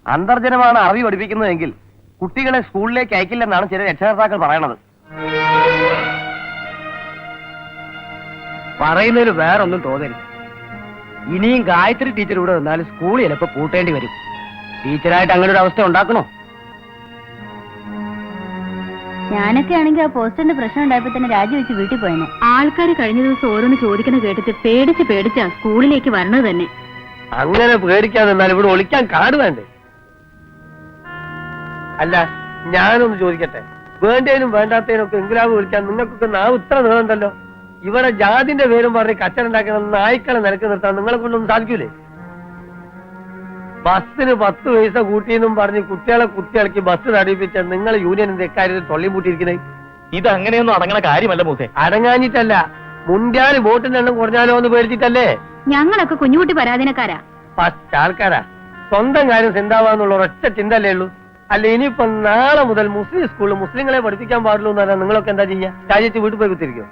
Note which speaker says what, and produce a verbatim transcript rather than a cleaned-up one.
Speaker 1: അന്തർജനമാണ് അറിവ് പഠിപ്പിക്കുന്നതെങ്കിൽ കുട്ടികളെ സ്കൂളിലേക്ക് അയക്കില്ലെന്നാണ് ചില രക്ഷകർത്താക്കൾ പറയണത്.
Speaker 2: പറയുന്നതിൽ വേറൊന്നും തോന്നരുത്. ഇനിയും ഗായത്രി ടീച്ചർ ഇവിടെ വന്നാലും സ്കൂൾ ചിലപ്പോ പൂട്ടേണ്ടി വരും. ടീച്ചറായിട്ട് അങ്ങനെ ഒരു അവസ്ഥ ഉണ്ടാക്കണോ?
Speaker 3: ഞാനൊക്കെ ആണെങ്കിൽ ആ പോസ്റ്ററിന്റെ പ്രശ്നം ഉണ്ടായപ്പോ തന്നെ രാജിവെച്ച് വീട്ടിൽ പോയെന്നെ. ആൾക്കാർ കഴിഞ്ഞ ദിവസം ഓരോന്ന് ചോദിക്കുന്ന കേട്ടിട്ട് പേടിച്ച് പേടിച്ചാ സ്കൂളിലേക്ക് വരണത് തന്നെ.
Speaker 1: അങ്ങനെ പേടിക്കാതെ എന്നാൽ ഇവിടെ ഒളിക്കാൻ കാട് വേണ്ടേ? അല്ല, ഞാനൊന്ന് ചോദിക്കട്ടെ, വേണ്ടതിനും വേണ്ടാത്തതിനും ഒക്കെ എങ്കിലാവ് വിളിക്കാൻ നിങ്ങൾക്കൊക്കെ നാവ് ഇത്ര നീളണ്ടല്ലോ. ഇവിടെ ജാതിന്റെ പേരും പറഞ്ഞ് കച്ചറുണ്ടാക്കുന്ന നായ്ക്കളെ നിലക്ക് നിർത്താൻ നിങ്ങളെ കൊണ്ടൊന്നും സാധിക്കൂലേ? ബസ്സിന് പത്ത് പൈസ കൂട്ടിയെന്നും പറഞ്ഞ് കുട്ടികളെ കുട്ടികൾക്ക് ബസ് തടിപ്പിച്ച നിങ്ങൾ യൂണിയനിന്റെ ഇക്കാര്യത്തിൽ തൊള്ളിമുട്ടിയിരിക്കുന്നത്.
Speaker 4: ഇത് അങ്ങനെയൊന്നും അടങ്ങണ കാര്യമല്ല മൂസേ.
Speaker 1: അടങ്ങാഞ്ഞിട്ടല്ല, മുൻകാല് വോട്ടിന്റെ എണ്ണം കുറഞ്ഞാലോ എന്ന് പേടിച്ചിട്ടല്ലേ.
Speaker 3: ഞങ്ങളൊക്കെ കുഞ്ഞുകുട്ടി പരാധീനക്കാരാ.
Speaker 1: ഫസ്റ്റ് ആൾക്കാരാ. സ്വന്തം കാര്യം ചിന്താവാന്നുള്ള ഒരൊറ്റ ചിന്തല്ലേ ഉള്ളൂ. അല്ല, ഇനിയിപ്പം നാളെ മുതൽ മുസ്ലിം സ്കൂളിൽ മുസ്ലിങ്ങളെ പഠിപ്പിക്കാൻ പാടുള്ളൂ എന്നല്ല നിങ്ങളൊക്കെ എന്താ ചെയ്യാ? രാജ്യത്ത് വീട്ടിൽ പോയി കുത്തിരിക്കും.